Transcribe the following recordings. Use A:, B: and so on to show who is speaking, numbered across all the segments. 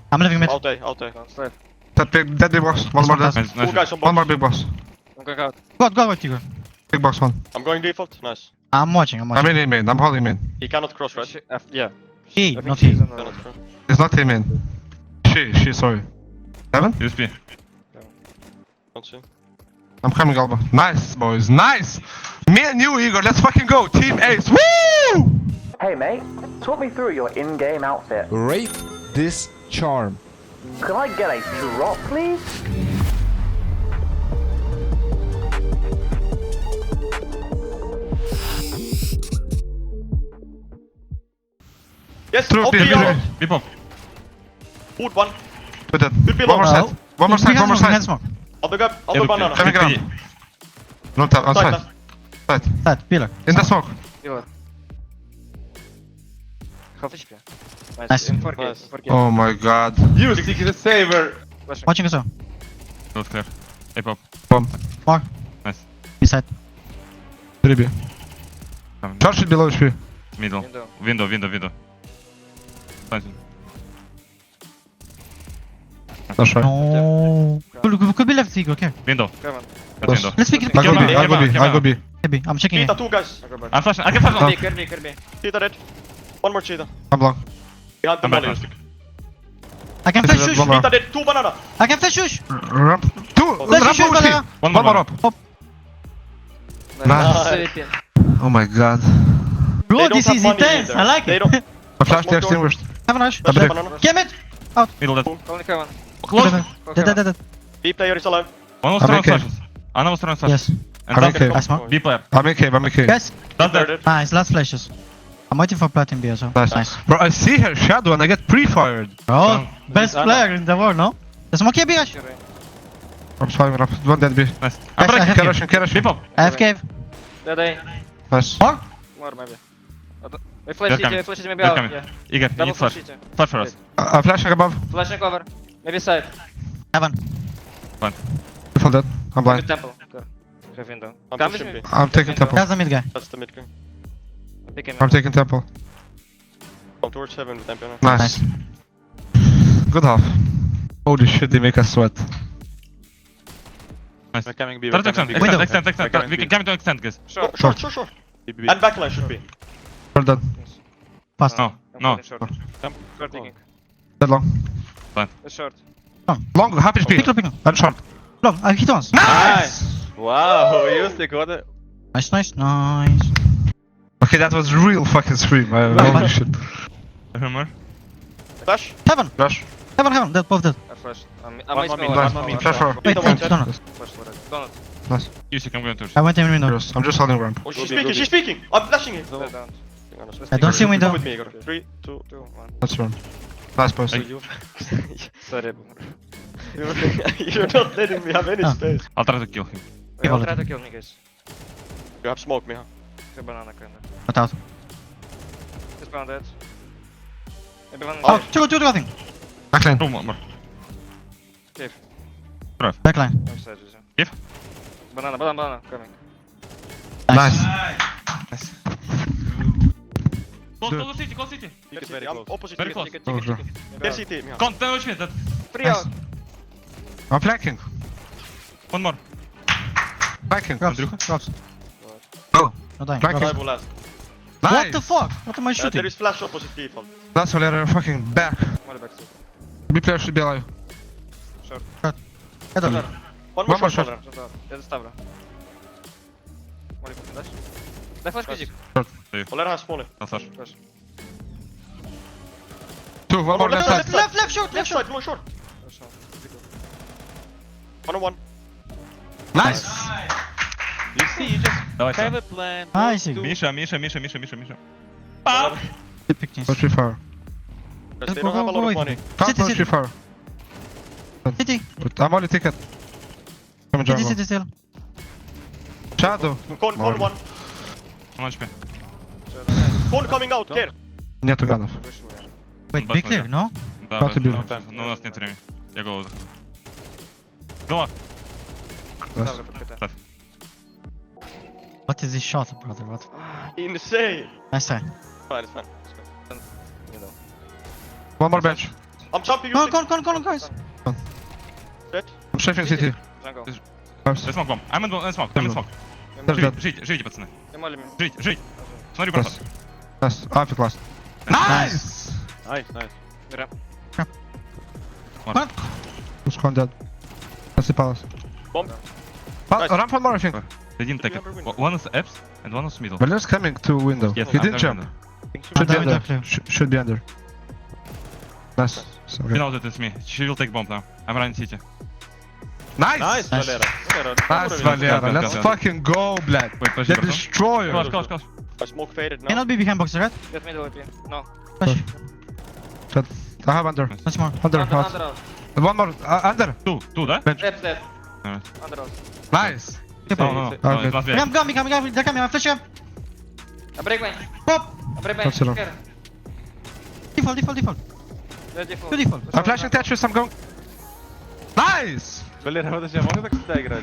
A: I'm leaving mid.
B: Out A.
C: Slide.
D: That big box. One more
A: Nice.
D: dead.
E: Nice,
B: Two
E: nice.
B: guys on
D: One more
B: box.
D: big box.
C: I'm going out.
A: Go, Tiger.
D: Big box one.
B: I'm going default. Nice.
A: I'm watching.
D: I'm in main. I'm holding main.
B: He cannot cross, right?
C: Yeah.
A: He,
C: I think
A: not
C: she's
A: he.
C: on the
B: Cannot cross.
D: It's not him in. She, sorry. Heaven?
E: USP.
B: Don't see.
D: I'm coming, Alba. Nice, boys. Nice! Me and you, Igor. Let's fucking go. Team Ace. Woo!
F: Hey mate, talk me through your in-game outfit.
G: Rate this charm.
F: Could I get a drop, please?
B: Yes.
D: Through
B: Out
D: B,
B: B.
D: B,
B: Out.
E: B pop.
B: Wood one.
D: With that.
B: Good
D: One
B: below.
D: more side. One more side. One more side.
A: Smoke.
B: I'll pick up. I'll do banana.
D: Coming around. No tap. On
B: Side,
D: side.
B: last.
D: Side.
A: Side, pillar.
D: In the smoke.
C: Healer. Half HP.
A: Nice.
C: In 4K.
B: Nice.
C: 4K.
D: Oh my god.
G: You secret saver.
C: Flashing.
A: Watching as well.
E: Close clear. A pop.
D: Bomb.
A: More.
E: Nice.
A: Beside.
D: 3B.
E: Coming.
D: Charge it below HP.
E: Middle.
C: Window.
E: Window. Nice.
D: That's right.
A: No. Could be left, Igor. Okay.
E: Window.
C: Come on.
E: Cut
D: Close.
E: window.
A: Let's pick it.
D: I go B. I go B.
E: Come
D: I go B.
A: Maybe. I'm checking
B: Cheetah,
A: it.
B: two guys.
C: I go back.
E: I'm flashing. I can flash on.
C: Could be.
B: Cheetah dead. One more cheetah.
D: I'm long.
B: Behind the
E: I'm back
B: molly.
E: now.
A: I can
D: This
A: flash
D: is
A: shush.
D: one more.
B: Cheetah dead. Two banana.
A: I can flash shush.
D: Ramp. Two.
A: Flash
D: Ramp
A: shush,
D: over
A: banana.
D: C.
E: One
D: One
E: more
D: more up.
B: Nice.
D: Oh my god.
A: Bro,
B: They don't
A: this
B: have
A: is
B: money
A: intense.
B: either.
A: I like
B: They
A: it.
B: don't-
D: My flash
B: Smoke
D: the extinguished.
A: Have a rush.
B: Flash
D: Double
B: banana.
A: Get mid.
E: Middle dead.
C: Only Kevin.
E: Close.
A: Dead.
B: B player is alive.
E: One was
D: I'm
E: throwing
D: okay.
E: flashes. Anna was throwing flashes.
A: Yes.
E: And
D: I'm
E: that's
D: okay.
A: I smoke.
E: B player.
D: I'm in cave. I'm in cave.
A: Guys.
E: That's
B: They're
E: dead.
B: dead.
A: Nice. Last flashes. I'm waiting for platinum B as well.
D: Nice. Bro, I see her shadow and I get pre-fired.
A: Bro, best player in the world, no? The smoke here, Bigash.
D: I'm swiping up. One dead B.
E: Nice.
A: Guys,
E: I'm
A: I
E: breaking.
A: have
D: Carrot, carrot.
E: B pop.
A: I have cave.
C: Dead A.
D: Nice.
A: More?
C: More maybe. We flash
E: They're
C: CT, flash CT maybe
E: They're
C: out.
E: coming.
C: Yeah.
E: Igor, you
C: Double
E: need
C: flash
E: flash.
C: CT.
E: Flash for us.
D: I'm flashing above.
C: Flashing cover. Maybe side.
A: Heaven.
D: Default dead. I'm
C: Maybe
D: blind.
C: temple. Go. Have window.
B: I'm
C: Come
B: pushing
C: with
B: B.
C: me.
D: I'm taking temple.
A: That's the mid guy.
B: That's the mid guy.
C: Pick him
D: I'm
C: up.
D: taking temple.
B: Come towards heaven with MP.
D: Nice. Good half. Holy shit, they make us sweat.
E: Nice.
B: We're coming B.
E: Try to extend.
A: Window.
E: Extend.
B: We're coming
E: We can
B: B.
E: come to extend, guys.
C: Short.
B: Sure. And backline should be.
D: Well done.
A: Fast.
E: No.
C: I'm
E: No.
C: holding Short. Short picking.
D: Dead long.
C: It's short.
D: Long, happy speed.
A: Pick up.
D: And short.
A: Long, I hit once.
D: Nice!
B: Wow, you stick with it.
A: Nice.
D: Okay, that was real fucking scream. Holy shit.
E: Humor.
B: Flash.
A: Heaven.
D: Rush.
A: Heaven. Dead, both dead.
C: I flashed. I'm
B: One more mid,
D: Nice.
B: one more mid.
D: Flash for.
A: Wait,
B: Window,
A: donut.
C: Flash Donut.
E: You see, I'm going to.
A: I went in window.
D: I'm just holding ramp.
B: Oh, she's speaking. I'm flashing it.
C: Dead down.
A: I don't see window.
B: Come with me, Igor. 3, 2.
C: 2, 1.
D: Let's run. Nice boys.
C: Sorry.
B: You're not letting me have any
A: Ah.
B: space.
E: I'll try to kill him.
C: Yeah, I'll try to kill me guys.
B: You have smoke, Miha.
C: The banana kinda.
A: Got out.
C: This banana dead. Maybe one
A: Oh,
C: dead.
A: two nothing.
D: Backline.
E: Oh, more.
C: Cave.
A: Backline.
C: I'm sad, Jose.
E: Give.
C: Banana, coming.
D: Nice.
E: Close city.
B: It's very close. Opposite.
E: Very close.
C: Ticket,
D: Oh, sure.
B: Get CT, Miha.
E: Come, tell me that.
C: 3
A: Nice.
C: out.
D: I'm flanking.
E: One more.
D: Flanking.
A: Drops.
D: Go.
A: No dying.
D: Back.
B: Survival last.
D: Nice.
A: What the fuck? What am I
B: There
A: shooting?
B: is flash opposite default.
D: That's all they're fucking back.
C: Molly back to.
D: B player should be alive.
C: Short.
A: Head up.
B: One
D: One
B: more
D: more
B: shot.
D: shot.
C: Short out. Dead Stavra. Molly back to dash. Daj flash quizik.
B: Olera has molly.
E: I'll flash.
C: Flash.
D: Two. One more left side.
A: Left short.
B: Left side, more short.
C: Flash out.
B: 1-on-1.
D: Nice.
H: You see, you just
E: Давай,
H: have
E: Sam.
H: a plan.
A: Nice.
H: do-
E: Миша.
A: Pick this.
D: Go 3-4.
B: Because they
A: Go,
B: don't have a
A: go,
B: lot of
A: go.
B: money.
D: Can't
A: City,
D: go
A: city.
D: 3-4.
A: City.
D: But I'm only ticket. Come on,
A: City
D: jungle.
A: still.
D: Shadow.
B: Con one.
E: Он HP.
B: Con coming out, care.
D: Нету ганов.
A: Wait,
E: Back
A: big clear,
E: window.
A: no?
E: Да,
D: Как ты бил?
E: но у нас нет времени. Я голову захожу. Голова.
C: Stavra pod KT.
A: What is this shot, brother? What?
B: Insane.
A: Nice try.
B: Fine, it's fine.
C: You know.
D: One more bench.
B: I'm jumping
A: Go,
B: using.
A: go, guys.
B: Dead.
D: I'm strafing city.
C: Jungle.
E: There's smoke bomb. I'm in smoke. I'm in smoke. Живите, пацаны.
C: Я молю меня.
E: Жить. Смотри, проход.
D: Nice. After class. Nice!
H: Nice, nice.
A: What?
D: Who's gone dead? That's the palace.
B: Bomb.
D: But, ramp one more, I think.
E: They didn't take it. One is apps and one is middle.
D: Valer's coming to window.
E: Yes,
D: He
E: I'm
D: didn't jump. Should be
A: Window
D: under.
A: clear.
D: Should be under. Nice. So
E: You
D: good.
E: know that it's me. She will take bomb now. I'm running city.
D: Nice!
H: Nice, Valera.
D: Nice, Valera.
E: Go,
D: Let's
E: go.
D: fucking go, Black.
E: Wait, подожди,
D: The
E: братан.
D: destroyer.
E: Close.
B: I smoke faded now.
A: Cannot be behind box, right?
C: Get middle AP. No.
A: Flash.
D: I have under.
A: Once more.
D: Under.
C: Under
D: Under.
C: out.
D: One more. Under.
E: Two, да?
C: Dead, dead.
E: Alright.
C: Under out.
D: Nice.
E: No.
D: Okay.
E: It's not bad.
A: Coming. They're coming. I flash him.
C: I break main.
A: Pop.
C: I break main.
D: That's enough.
C: Care.
A: Default.
C: They're default.
A: Two default.
D: I'm flashing Tetris. I'm going. Nice!
H: Валера, подожди, а можно так всегда играть?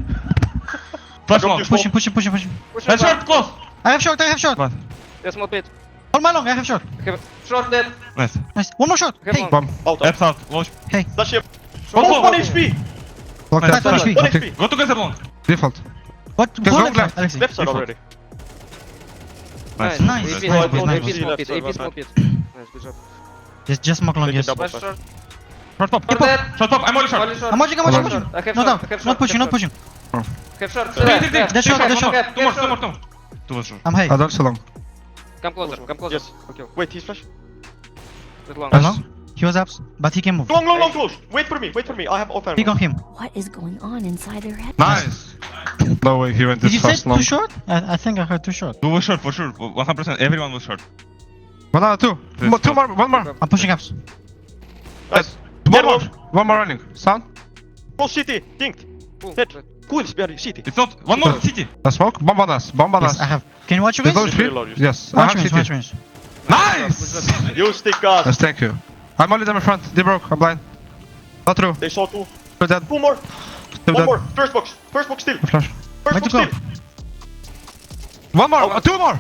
E: Flash
B: Drop
E: long.
B: your
A: Push him.
C: Push
E: Head
C: him
E: short, close.
A: I have short.
C: There's small pit.
A: Hold my long. I have short.
C: Short dead.
E: Nice.
A: Nice. One more shot.
C: Have
A: Hey.
C: long.
D: Bomb.
B: Out.
E: Apps out. Watch.
B: Flash him.
E: Bomb,
B: Almost
E: bomb.
B: 1 HP.
D: Lock
E: Nice,
D: that.
A: nice.
D: Okay.
B: 1 HP.
E: Go together long.
D: Default.
A: What?
D: Go
A: Go
D: left.
A: left, Alexei.
B: Left side
E: Default.
B: already.
C: Nice.
A: Nice.
C: AP
A: Nice,
C: small
A: nice,
C: pit. AP small
B: nice.
C: pit. AP small pit. Nice, good job.
A: Just smoke long,
B: Take it
A: yes.
B: double.
C: Flash short.
E: Short pop.
C: Short dead.
E: Short pop. I'm only short.
C: Only short.
A: I'm watching.
C: I have
A: No
C: short.
A: down.
C: I have
A: Not
C: short.
A: pushing.
C: Have short.
E: Three.
A: That's short, that's short.
E: Two more. Two was short.
A: I'm high.
D: I don't so long.
C: Come closer.
B: Yes.
C: Okay.
B: Wait, he's flash.
C: With long.
A: Hello? He was ups, but he can move.
B: Long, close. Wait for me. I have off
A: Pick on him.
I: What is going on inside their head?
D: Nice. No way he went
A: Did
D: this
A: you say
D: fast long.
A: too short? I think I heard too short.
E: Two was short for sure. 100%. Everyone was short.
D: Two. Two more. One more.
A: I'm pushing ups.
B: Nice.
D: One more running. Sound.
B: Close city. Dinked. Dead. Cool, behind city.
E: It's not. One more city.
D: The smoke. Bomb on us. Bomb on
A: Yes,
D: us.
A: I have. Can you watch your
D: There's no
A: guys?
D: speed?
B: Reload,
D: Yes. I
A: Watch
D: have
A: me,
D: city.
A: watch me.
D: Nice!
B: You stick us.
D: Yes, thank you. I'm only them in front. They broke. I'm blind. Not true.
B: They saw two.
D: They're dead.
B: Two more.
D: They're
B: One
D: dead.
B: more. First box still.
D: Flash.
B: First
A: Where to
B: box
A: go?
B: still.
D: One more. Two more.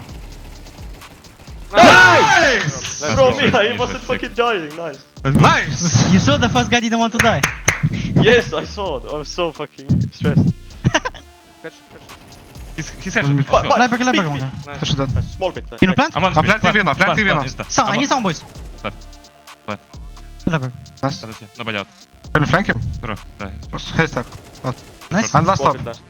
B: Nice!
E: Let's
B: Bro,
E: go.
B: me, I
E: Yes,
B: wasn't
E: sick.
B: fucking dying. Nice.
D: Nice.
A: You saw the first guy didn't want to die.
B: Yes, I saw it. I was so fucking stressed.
E: He's here.
B: But-
A: Leper,
B: Big,
A: leper.
B: big.
D: Flash is dead.
B: Small bit.
A: Can you plant?
E: I'm on
D: I'm planting Vino, planting Vino.
A: Sound, I need sound, boys.
E: Plant.
A: Leper.
D: Nice.
E: Подожди, nobody out.
D: Can you flank him?
E: Bro, да.
D: Haystack.
A: Nice.
D: And last
B: Small
D: stop.
B: bit last.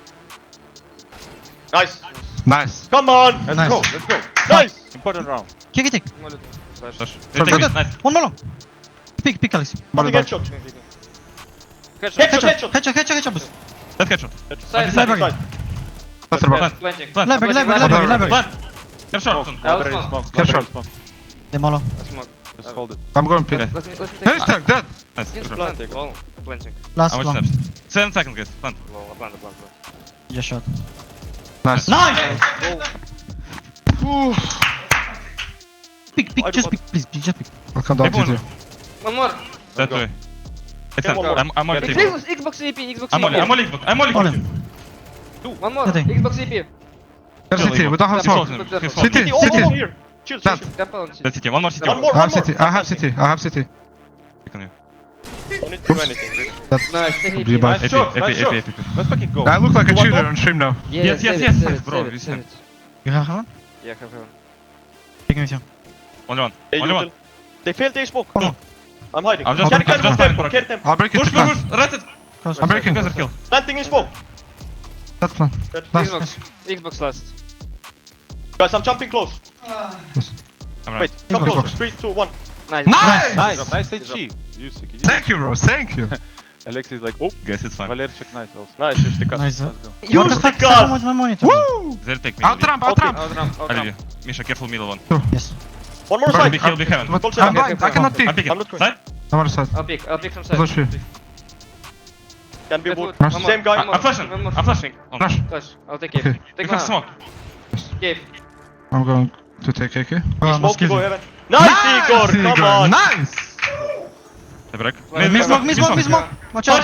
B: Nice.
D: Nice.
B: Come on.
H: Let's
A: Nice.
H: go, let's go.
B: Nice.
H: Important round.
A: Kick it.
C: Flash.
E: Flash.
A: Good,
E: Take it.
A: good.
E: Nice.
A: One more long. Pick, Alex.
B: Fucking headshot.
C: Headshot.
B: Headshot.
A: Boost.
E: Let's headshot.
C: Side.
A: Leper.
B: Side.
D: That's the bomb.
E: Plant.
C: Planting.
E: Plant.
A: Leper.
E: Plant. Head short.
H: Already smoke.
D: Get shot.
A: Demolo.
H: Just hold it.
D: I'm going pit.
E: Okay.
C: Let me take.
D: Haystack dead.
E: Nice.
C: Yes,
E: Bro.
C: planting. Oh, planting.
A: Last
E: How much
A: long.
E: steps? 7 seconds, guys. Plant.
C: Low. Plant.
A: Just shot.
D: Nice.
A: Nice!
C: Go.
A: Pick, just pick, please, just pick.
D: I'll come down to
E: Everyone.
D: you.
C: One more.
E: That way.
B: Yeah, one more.
E: I'm only
C: Xbox EP. Xbox
E: I'm only
C: EP.
E: I'm only
A: Hold him.
C: One more.
A: Nothing.
C: Xbox EP.
D: There's city. We don't have
C: Smoke.
D: smoke.
C: City.
D: City.
B: City. Oh,
D: City.
B: here. Chill.
D: Plant.
C: Temple on
E: That's city. One more city.
B: One more.
D: I have city. I have city. I have city.
E: Pick on you.
B: Don't need to do anything. Really.
C: Nice. Take
D: Be
C: EP.
D: bad.
H: Nice shot, nice shot.
E: AP.
H: Let's fucking go.
D: I look like a
B: You want
D: cheater
B: more?
D: on stream now.
E: Yes,
C: save
E: yes,
C: it,
E: yes,
C: save it,
E: bro,
C: save
E: you
C: it,
E: said.
C: save it.
A: You have one?
C: Yeah, have one.
A: Pick him with you.
E: Only one.
B: Hey,
E: Only
B: you
E: one.
B: tell- They failed their smoke.
A: Come on.
B: I'm hiding.
E: I'm just-
B: Can
E: I'm just
B: tempo,
E: fine,
B: can tempo.
D: I'll break it
E: Push,
D: to
E: push,
D: plant.
E: push. Rat it.
A: Close.
D: I'm breaking.
E: Together kill.
B: Planting in smoke.
D: That plan. Nice.
C: Xbox. Xbox last.
B: Guys, I'm jumping close.
E: I'm
B: Wait,
E: right.
B: come
A: Xbox.
B: closer. 3, 2, 1.
C: Nice.
D: Nice!
H: Nice, nice HG. You sick.
D: Thank you, bro. Thank you.
H: Alex is like, oh,
E: Guys, it's fine.
H: Valer check nice also.
B: Nice, you stick us.
A: Nice.
H: Let's go.
B: You
A: What the fuck?
B: stick us.
A: Someone's my monitor.
D: Woo!
E: They'll take me.
D: Out ramp, out
B: Okay.
D: ramp.
C: Outram.
E: Olivia. Misha, careful middle one.
A: Yes.
B: One more
D: Bro,
B: side.
E: Be heal, be heaven.
D: But
B: Don't
D: I'm
B: say
D: blind. I cannot
E: I'm
D: pick.
E: picking.
B: I'm not going.
E: Side?
D: I'm on the side.
C: I'll pick from side.
D: Flash you.
B: Can be
C: Get
B: wood.
C: wood.
D: Nice.
C: One more,
B: Same guy.
C: one more,
E: I'm flashing.
C: one more.
E: I'm flashing.
D: Flash.
C: Flash. I'll take
D: Okay.
C: it.
E: You
C: Take
E: can
C: one.
E: smoke.
C: Cave.
D: I'm going to take AK.
A: Oh,
B: Smoke to
A: excuse
B: go
A: me.
B: heaven. Nice, Igor. Come on.
D: Nice!
E: The break.
A: Miss smoke. Watch out.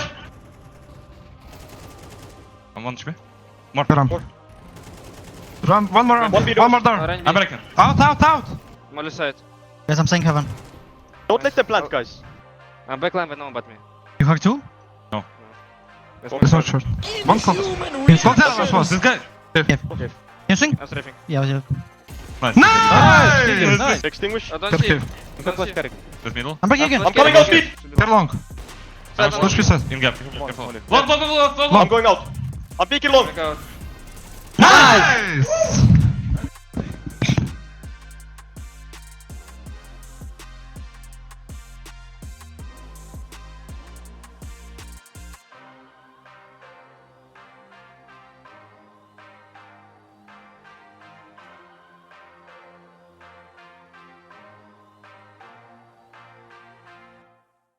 E: I'm 1 HP. More.
D: Ramp. Ramp. One more ramp.
B: One
D: One more
B: door.
D: door.
C: Run
E: I'm
C: me.
E: breaking.
D: Out, out, out!
C: Molly side.
A: Guys, I'm saying heaven.
B: Don't let them plant, guys.
C: I'm backline with no one but me.
A: You hack two?
D: It's not short. One front. Don't tell us was.
E: This guy.
B: Okay.
A: Can swing?
C: I'm strafing.
A: Yeah, yeah.
E: Nice.
D: Nice!
B: Extinguish.
C: I don't
D: Got
C: see.
D: cave.
C: Don't see.
E: This middle.
A: I'm breaking again.
B: I'm coming out speed.
D: They're long. Push this side.
E: In gap. Careful.
H: only.
E: Long.
B: I'm going out. I'm peeking long.
C: Back out.
D: Nice!